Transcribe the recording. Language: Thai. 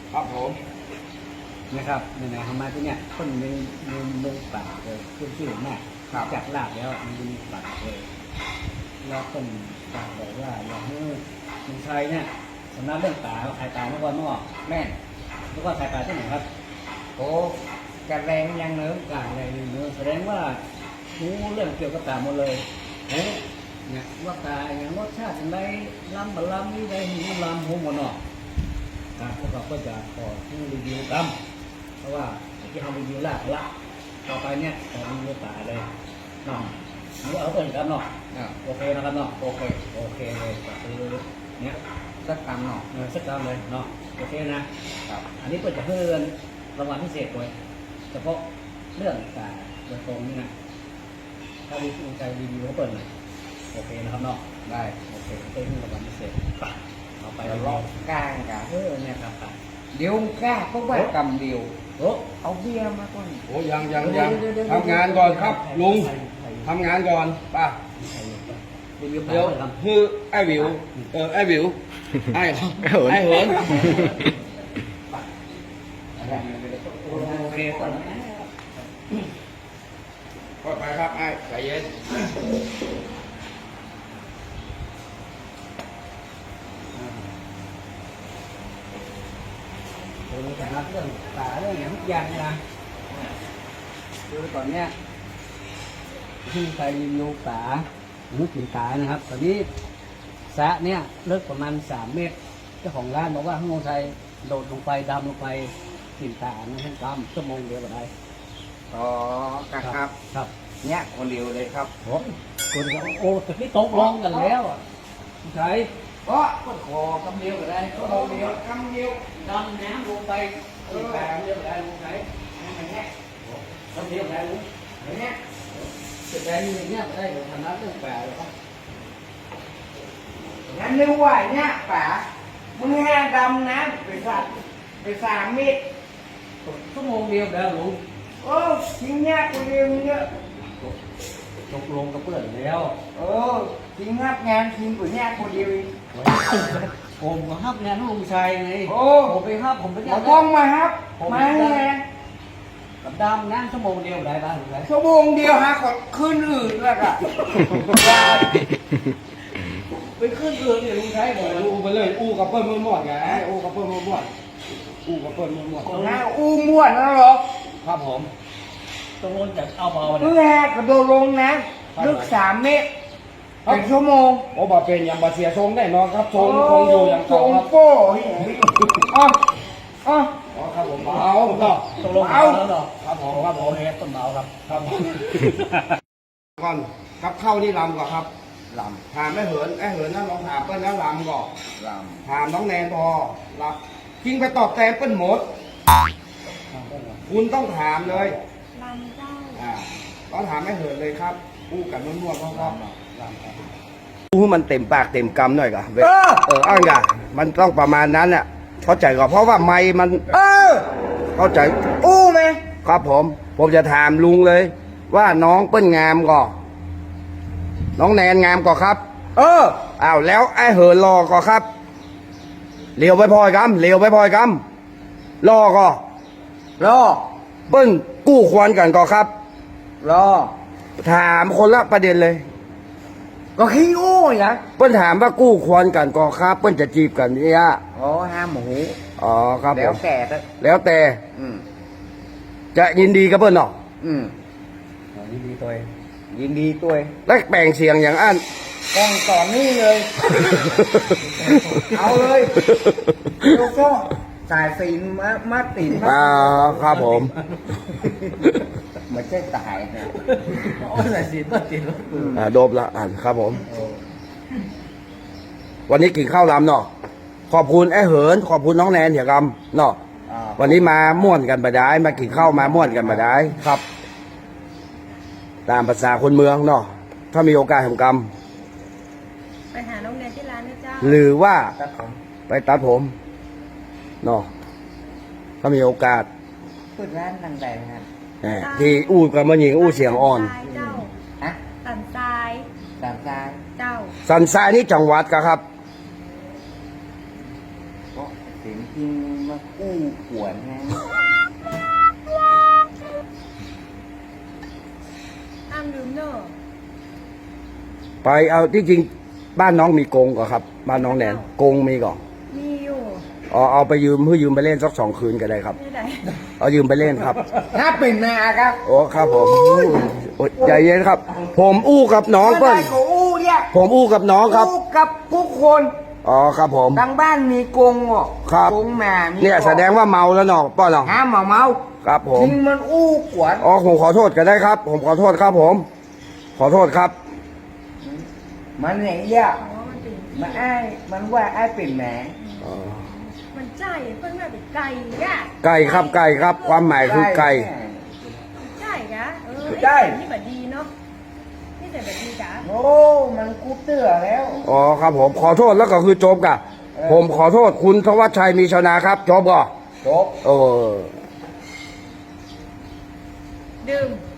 ครับผมนะครับเนี่ยทำไมที่เนี่ยคนมึงป่าเลยขึ้นชื่อแม่จากลาบแล้วมันมีป่าเลยแล้วคนป่าบอกว่าอยากให้คนไทยเนี่ยสำนักเรื่องป่าเขาขายป่าเมื่อวันเมื่อแม่เมื่อวานขายป่าที่ไหนครับโอ้กระแรงยังเนื้อการอะไรเนื้อแสดงว่ารู้เรื่องเกี่ยวกับป่าหมดเลยเนี่ยว่าป่าอย่างรสชาติอะไรล้ำบะล้ำนี่ได้หิวล้ำหัวหมดเนาะพวกเราก็จะขอที่รีวิวกันเพราะว่าที่ทำรีวิวละต่อไปเนี่ยขอรีวิวป่าเลยเนาะนี่เอาต้นกันเนาะโอเคนะครับเนาะโอเคเลยก็คือเนี่ยสักกำเนาะสักกรรมเลยเนาะโอเคนะครับอันนี้เปิดจะเพิ่มรางวัลพิเศษด้วยเฉพาะเรื่องป่าโดยตรงนี่นะถ้ามีใจรีวิวเขาเปิดหน่อยโอเคนะครับเนาะได้โอเคเพิ่มรางวัลพิเศษเอาไปลองกลางกันเนี่ยครับเดี๋ยวกล้าก็ว่ากำเดียวเอาเบียร์มาก่อนโอ้ยังทำงานก่อนครับลุงทำงานก่อนป่ะเดี๋ยวคือไอ้วิวไอ้วิวไอ้เหินโอเคก่อนก็ไปครับไอ้ใจเย็นเราจะรับเรื่องป่าเรื่องอย่างทุกอย่างนะคือตอนเนี้ยที่ใครรีวิวป่าหรือถิ่นป่านะครับตอนนี้สระเนี่ยลึกประมาณ3 เมตรเจ้าของร้านบอกว่าข้างลงใจโดดลงไปดำลงไปถิ่นป่านะฮะดำชั่วโมงเดียวก็ได้อ๋อครับเนี่ยคนเดียวเลยครับผมคนก็โอ้แต่ที่ตกลงกันแล้วใช่ก็ขอกำเดียวก็ได้ก็กำเดียวดำน้ำลงไปถิ่นป่าเดียวก็ได้ลุงใช่ดำเดียวก็ได้ลุงเนี่ยจะได้อย่างเงี้ยได้เดี๋ยวทำน้ำเรื่องป่าเลยครับงั้นนึกว่าเนี่ยป่ามึงห้าดำนะไป3 เมตรชั่วโมงเดียวเดี๋ยวลุงโอ้ทิ้งเนี่ยคนเดียวเนี่ยตกลงกับเพื่อนแล้วทิ้งงับงานทิ้งกูเนี่ยคนเดียวผมก็ฮับงานลุงชัยไงผมไปฮับผมไปเอาบ้องมาครับมาไงกับดำน้ำชั่วโมงเดียวได้ป่ะลุงชัยชั่วโมงเดียวฮะขอขึ้นอื่นแล้วก็ไปขึ้นเรือเนี่ยลุงชัยบอกอู้ไปเลยอู้กับเปิ้ลมั่วๆไงอู้กับเปิ้ลมั่วๆอู้กับเปิ้ลมั่วๆนะอู้ม่วนนะหรอครับผมตรงนู้นจะเอาเบาเพื่อกระโดดลงนะลึก3 เมตรเป็นชั่วโมงโอ้บาเป็นอย่างบาเสียทรงได้นอนครับทรงคงอยู่อย่างเก่าครับโป้อ๋อครับผมเอาเนาะตกลงเอาแล้วเนาะครับผมต้นเบาครับก่อนครับเข้านี่ลำก่อนครับลำถามไอ้เหินนั่นลองถามเปิ้ลแล้วลำก่อนถามน้องแนนพอรับทิ้งไปตอบแทนเปิ้ลหมดคุณต้องถามเลยลำเจ้าต้องถามไอ้เหินเลยครับอู้กับนวดๆพ่อให้มันเต็มปากเต็มคำหน่อยก่ะอ้างกะมันต้องประมาณนั้นน่ะเข้าใจก่อนเพราะว่าไม้มันเข้าใจอู้ไหมครับผมจะถามลุงเลยว่าน้องเปิ้ลงามก่อน้องแนนงามก่อครับอ้าวแล้วไอ้เหินรอก่อครับเลี้ยวไปพอยกำรอก่อรอเปิ้ลกู้ควรกันก่อครับรอถามคนละประเด็นเลยก็ขี้อู้อย่างเปิ้ลถามว่ากู้ควรกันก่อครับเปิ้ลจะจีบกันเนี่ยห้ามหมูครับแล้วแต่จะยินดีกับเปิ้ลเนาะยินดีตัวแล้วแบ่งเสียงอย่างอันกองต่อนี่เลยเอาเลยลูกก็สายสีมาติดครับผมไม่ใช่ตายนะสายสีมาติดโดบละครับผมวันนี้กินข้าวลำเนาะขอบคุณไอ้เหินขอบคุณน้องแนนเหี่ยกำเนาะวันนี้มาม่วนกันมาได้มากินข้าวมาม่วนกันมาได้ครับตามภาษาคนเมืองเนาะถ้ามีโอกาสทำกรรมไปหาน้องแนนที่ร้านนะเจ้าหรือว่าไปตัดผมเนาะถ้ามีโอกาสเปิดร้านนั่งแดงครับที่อู้กับมันหญิงอู้เสียงอ่อนสันทรายเจ้าสันทรายนี่จังหวัดครับก็เสียงจริงมาอู้ขวนนะห้ามลืมเนอะไปเอาที่จริงบ้านน้องมีกรงก่อนครับ บ้านน้องแนนกรงมีก่อนมีอยู่เอาไปยืมเพื่อยืมไปเล่นสัก2 คืนก็ได้ครับที่ไหนเอายืมไปเล่นครับถ้าเป็นนาครับโอ้ครับผมโอ้ยใจเย็นครับ ผมอู้กับน้องเปิ้ลได้ก็อู้เนี่ยผมอู้กับน้องครับอู้กับทุกคนอ๋อครับผมทางบ้านมีกรงอ่ะครับกรงหมามีเนี่ยแสดงว่าเมาแล้วเนาะป้อนเนาะห้ามเมาครับผมจริงมันอู้ขวนอ๋อผมขอโทษก็ได้ครับ ผมขอโทษครับผม ขอโทษครับมันไหนเนี่ยอ๋อมันเป็นมันอ้ายมันว่าอ้ายเป็นแหมอ๋อมันใจเพิ่นว่าเป็นไก่อะไก่ครับไก่ครับ ความหมายคือไก่ใช่กะไอ้ได้นี่แบบดีเนาะนี่แต่แบบดีกะโอ้มันกูเตื้อแล้วอ๋อครับผมขอโทษแล้วก็คือจบกะผมขอโทษคุณธวัชชัยมีชนาครับจบก่อจบเออดื่ม